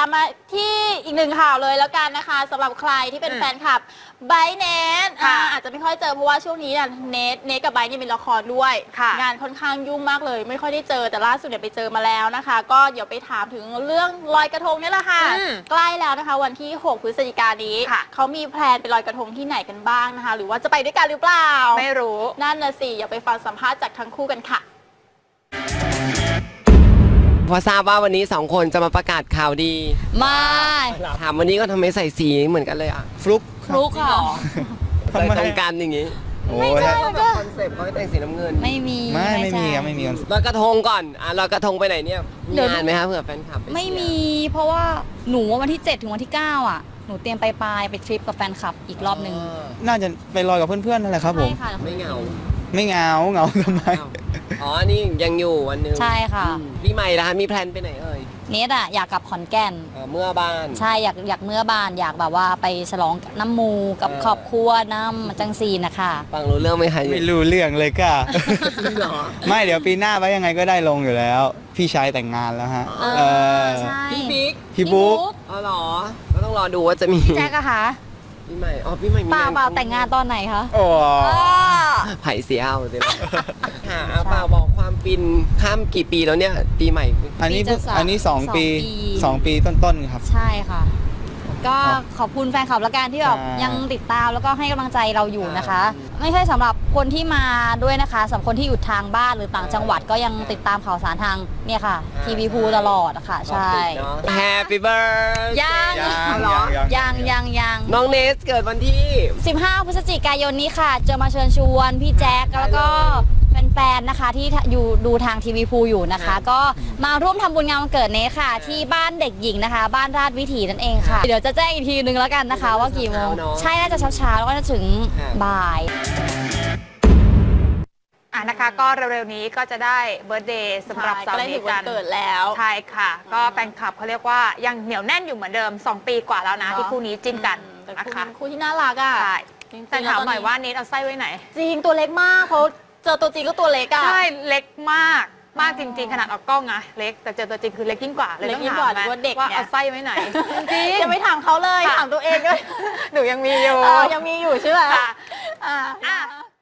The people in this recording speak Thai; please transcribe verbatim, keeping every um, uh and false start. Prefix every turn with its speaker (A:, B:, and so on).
A: มาที่อีกหนึ่งข่าวเลยแล้วกันนะคะสำหรับใครที่เป็นแฟนคลับไบเนทอาจจะไม่ค่อยเจอเพราะว่าช่วงนี้เนี่ยเนทเนทกับไบเนี่ยมีละครด้วยงานค่อนข้างยุ่งมากเลยไม่ค่อยได้เจอแต่ล่าสุดเนี่ยไปเจอมาแล้วนะคะก็เดี๋ยวไปถามถึงเรื่องลอยกระทงนี่แหละค่ะใกล้แล้วนะคะวันที่หกพฤศจิกายนนี้เขามีแพลนไปลอยกระทงที่ไหนกันบ้างนะคะหรือว่าจะไปด้วยกันหรือเปล่า
B: ไม่รู้
A: นั่นน่ะสิอย่าไปฟังสัมภาษณ์จากทั้งคู่กันค่ะ
C: พอทราบว่าวันนี้สองคนจะมาประกาศข่าวดี
A: ไม่
C: ถามวันนี้ก็ทำไมใส่สีเหมือนกันเลยอ่ะ
D: ฟลุก
A: ฟลุกค่ะ
C: ทำไมตรงกันอย่างงี้
A: ไม่ใช่ก็
C: คอนเซ็ปต์เขาแต่งสีน้ำเงิน
A: ไม่มี
D: ไม่ไม่มีครับไม่มี
C: ลอยกระทงก่อนอ่ะลอยกระทงไปไหนเนี่ยมีงานไหมคะเผื่อแฟนคลับ
E: ไม่มีเพราะว่าหนูวันที่เจ็ดถึงวันที่เก้าอ่ะหนูเตรียมไปปลายไปทริปกับแฟนคลับอีกรอบนึง
D: น่าจะไปลอยกับเพื่อนๆนั่นแหละครับผม
C: ไม่เหงา
D: ไม่เหงาเหงาทำไม
C: อ๋อนี่ยังอยู่วันนึง
E: ใช่ค่ะ
C: พี่ใหม่นะคะมีแพลนไปไหนเอ่ย
E: เนทอะอยากกลับขอนแก่น
C: เมื่อบ้าน
E: ใช่อยากอยากเมื่อบ้านอยากแบบว่าไปฉลองน้ำมูกับครอบครัวน้ำจังซีนะคะ
C: ฟังรู้เรื่องไหมคะ
D: ไม่รู้เรื่องเลยก็ไม่เดี๋ยวปีหน้าไปยังไงก็ได้ลงอยู่แล้วพี่ชายแต่งงานแล้วฮะ
C: พี่บิ๊ก
D: พี่บุ๊ก
C: อ๋อเหรอก็ต้องรอดูว่าจะมี
E: แจ๊กอะคะ
C: พี่ใหม่อ๋อพี่ใหม่มี
E: เปล่าเปล่าแต่งงานตอนไหนคะ
D: โอ้
C: ไผ่เสียเอาเลยหาเปล่าบอกความฟินข้ามกี่ปีแล้วเนี่ยปีใหม่
D: อันนี้อันนี้สองปีสองปีต้นๆครับ
E: ใช่ค่ะก็ขอบคุณแฟนคลับละกันที่แบบยังติดตามแล้วก็ให้กำลังใจเราอยู่นะคะไม่ใช่สำหรับคนที่มาด้วยนะคะสำหรับคนที่อยู่ทางบ้านหรือต่างจังหวัดก็ยังติดตามข่าวสารทางเนี่ยค่ะทีวีพูตลอดค่ะใช่
C: Happy Birthday
E: ยังยังยังยัง
C: น้องเนสเกิดวันที่
E: สิบห้าพฤศจิกายนนี้ค่ะจะมาเชิญชวนพี่แจ๊คแล้วก็แฟนๆนะคะที่อยู่ดูทางทีวีพูอยู่นะคะก็มาร่วมทำบุญงานวันเกิดเนสค่ะที่บ้านเด็กหญิงนะคะบ้านราชวิถีนั่นเองค่ะเดี๋ยวจะแจ้งอีกทีนึงแล้วกันนะคะว่ากี่โมงใช่น่าจะเช้าๆแล้วก็จะถึงบ่าย
B: อ่ะนะคะก็เร็วๆนี้ก็จะได้เบิร์ธเดย์สำหรับสาวเนสกัน
A: เกิดแล้ว
B: ใช่ค่ะก็แฟนคลับเขาเรียกว่ายังเหนียวแน่นอยู่เหมือนเดิมสองปีกว่าแล้วนะที่คู่นี้จิ้นกันนะคะ
A: คู่ที่น่ารักอ่ะ
B: ใช่แต่ถามหน่อยว่าเนสเอาไส้ไว้ไหน
A: จริงตัวเล็กมากเขาเจอตัวจริงก็ตัวเล็กอะ
B: ใช่เล็กมากมากจริงๆขนาดออกกล้องอะเล็กแต่เจอตัวจริงคือเล็กยิ่งกว่าเลยต้องถามว่าเด็กว่าเอาไส้ไว้ไหน
A: จริงยังไม่ถามเขาเลยถามตัวเองก็
B: หนูยังมีอยู่
A: ยังมีอยู่ใช่ไหม
B: อ่ะ